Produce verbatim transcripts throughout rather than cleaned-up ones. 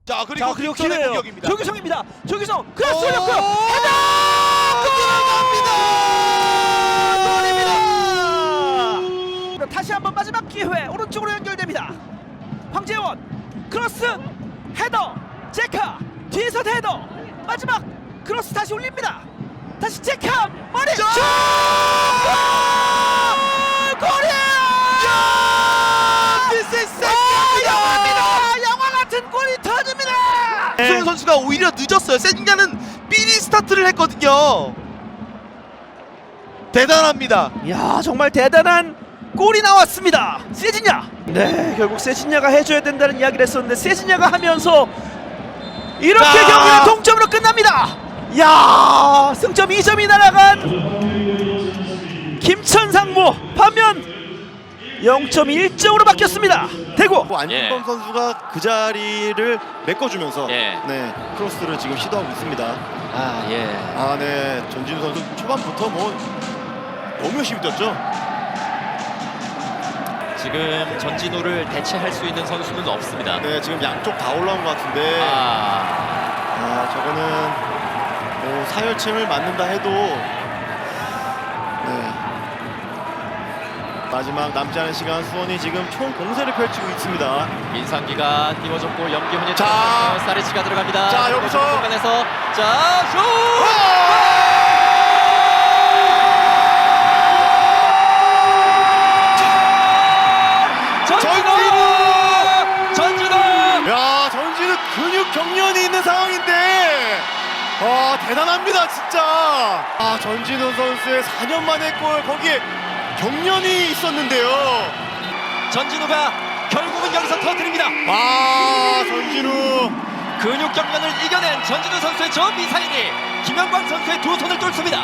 자 그리고, 자 그리고 김선의 기회예요. 공격입니다. 조규성입니다. 조규성 크로스 오! 올렸고요. 헤더! 골입니다. 다시 한번 마지막 기회 오른쪽으로 연결됩니다. 황재원 크로스 헤더 제카 뒤에서 헤더 마지막 크로스 다시 올립니다. 다시 제카 머리 슛! 골이에요! This is 영화입니다. 영화 같은 골이 터집니다. 수원 선수가 오히려 늦었어요. 세징야는 미리 스타트를 했거든요. 대단합니다. 야 정말 대단한 골이 나왔습니다. 세징야. 네 결국 세징야가 해줘야 된다는 이야기를 했었는데 세징야가 하면서 이렇게 자. 경기는 동점으로 끝납니다. 야 승점 이 점이 날아간 김천상무 반면 영 점 일 점으로 바뀌었습니다. 대구 안윤범 예. 선수가 그 자리를 메꿔주면서 예. 네 크로스를 지금 시도하고 있습니다. 아, 예. 아, 네 전진우 선수 초반부터 뭐 너무 열심히 뛰었죠. 지금 전진우를 대체할 수 있는 선수는 없습니다. 네 지금 양쪽 다 올라온 것 같은데 아, 아 저거는 뭐 사열침을 맞는다 해도 네 마지막 남지 않은 시간 수원이 지금 총 공세를 펼치고 있습니다. 민상기가 띄워줬고 염기훈이 자. 사리치가 들어갑니다. 자, 여기서. 공간에서 자 슛! 전진우! 전진우! 야 전진우 근육 경련이 있는 상황인데 와 대단합니다 진짜. 아 전진우 선수의 사 년 만의 골 거기에 경련이 있었는데요. 전진우가 결국은 여기서 터뜨립니다. 아 전진우 근육 경련을 이겨낸 전진우 선수의 저 미사일이 김영광 선수의 두 손을 뚫습니다.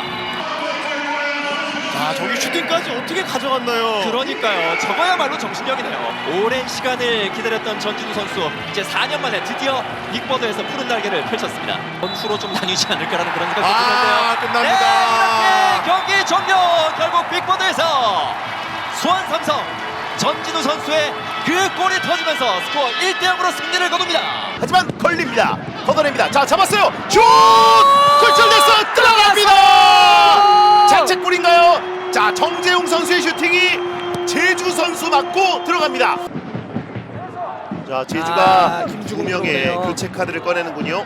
아 저기 슈팅까지 어떻게 가져갔나요? 그러니까요. 저거야말로 정신력이네요. 오랜 시간을 기다렸던 전진우 선수 이제 사 년 만에 드디어 빅보드에서 푸른 날개를 펼쳤습니다. 선수로 좀 나뉘지 않을까라는 그런 생각이 아, 드는데요. 끝납니다. 네, 이렇게 경기 종료. 결국 빅보드에서 수원 삼성 전진우 선수의 그 골이 터지면서 스코어 일 대 영으로 승리를 거둡니다. 하지만 걸립니다. 걷어냅니다. 자 잡았어요. 슛! 굴절됐어. 들어갑니다. 자책골인가요? 자 정재웅 선수의 슈팅이 제주 선수 맞고 들어갑니다. 자 제주가 아, 두 김주공 명의 들어오네요. 교체 카드를 꺼내는군요.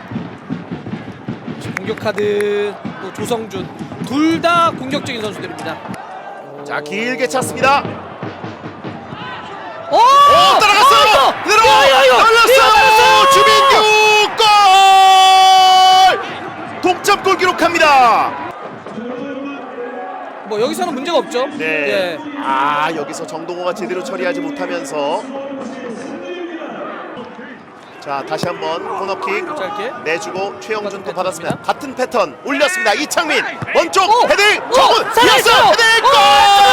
공격 카드 또 조성준 둘 다 공격적인 선수들입니다. 자 길게 찼습니다. 오! 오 따라갔어요. 그대로 열렸어요. 주민규 골! 동점골 기록합니다. 뭐 여기서는 문제가 없죠. 네. 예. 아 여기서 정동호가 제대로 처리하지 못하면서 자 다시 한번 코너킥 짧게. 내주고 최영준 또 똑같은 받았습니다. 패턴입니다. 같은 패턴 올렸습니다. 이창민 원쪽 오! 헤딩 오! 정훈 살아있어요! 이었어 헤딩 골!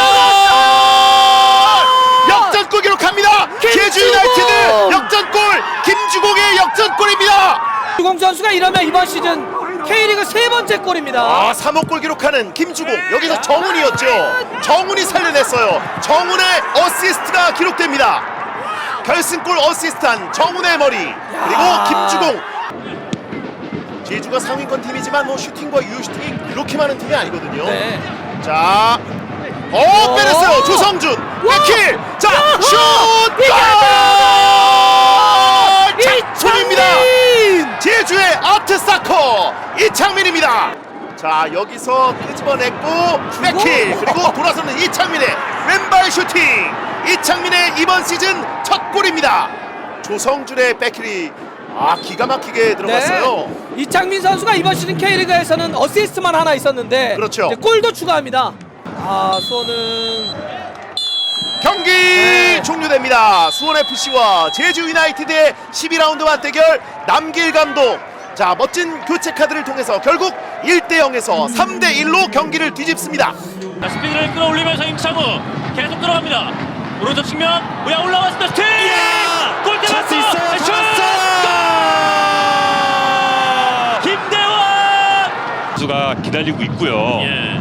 역전골 기록합니다. 제주 유나이티드 역전골 김주공의 역전골입니다. 주공 선수가 이러면 이번 시즌 K리그 세 번째 골입니다. 아 삼 호 골 기록하는 김주공 여기서 정훈이었죠. 정훈이 살려냈어요. 정훈의 어시스트가 기록됩니다. 결승골 어시스트한 정훈의 머리 그리고 김주공. 제주가 상위권 팀이지만 뭐 슈팅과 유효 슈팅이 그렇게 많은 팀이 아니거든요. 네. 자, 어 빼냈어요. 조성준 백킬. 자, 슛! 골! 작품입니다. 제주의 아트사커 이창민입니다. 자, 여기서 끄집어냈고 백킬 그리고 돌아서는 이창민의 왼발 슈팅. 이창민의 이번 시즌 첫 골입니다. 조성준의 백킬이 아 기가 막히게 들어갔어요. 네. 이창민 선수가 이번 시즌 K리그에서는 어시스트만 하나 있었는데 그렇죠. 이제 골도 추가합니다. 아 수원은 경기 네. 종료됩니다. 수원에프씨와 제주 유나이티드의 십이 라운드 맞대결 남길 감독. 자 멋진 교체 카드를 통해서 결국 일 대 영에서 삼 대 일로 경기를 뒤집습니다. 자, 스피드를 끌어올리면서 임창우 계속 들어갑니다. 오른쪽 측면 우야 올라왔습니다. 슈팅! 골대 찬스 맞고 있어요. 슛! 잡았어요. 김대환! 선수가 기다리고 있고요. 예.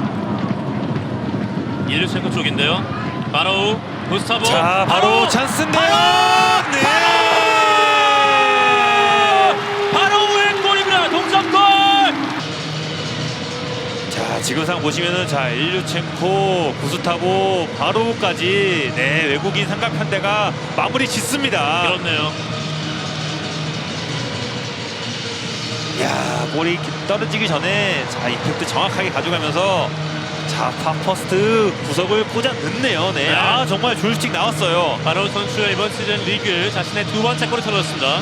일루체코 쪽인데요. 바로 구스타보. 자, 바로 찬스인데요. 네. 지금 상 보시면은 자 일류첸코, 구스타보, 바로까지 네 외국인 삼각편대가 마무리 짓습니다. 그렇네요. 야 볼이 떨어지기 전에 자 이펙트 정확하게 가져가면서 자 파퍼스트 구석을 꽂아 넣네요. 네. 네. 아 정말 조율식 나왔어요. 바로 선수가 이번 시즌 리그 자신의 두 번째 골을 터졌습니다.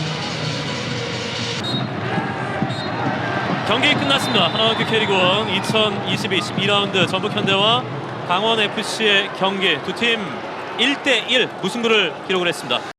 경기 끝났습니다. 하나원큐 K리그원 이천이십이 십이 라운드 전북현대와 강원에프씨의 경기 두 팀 일 대 일 무승부를 기록을 했습니다.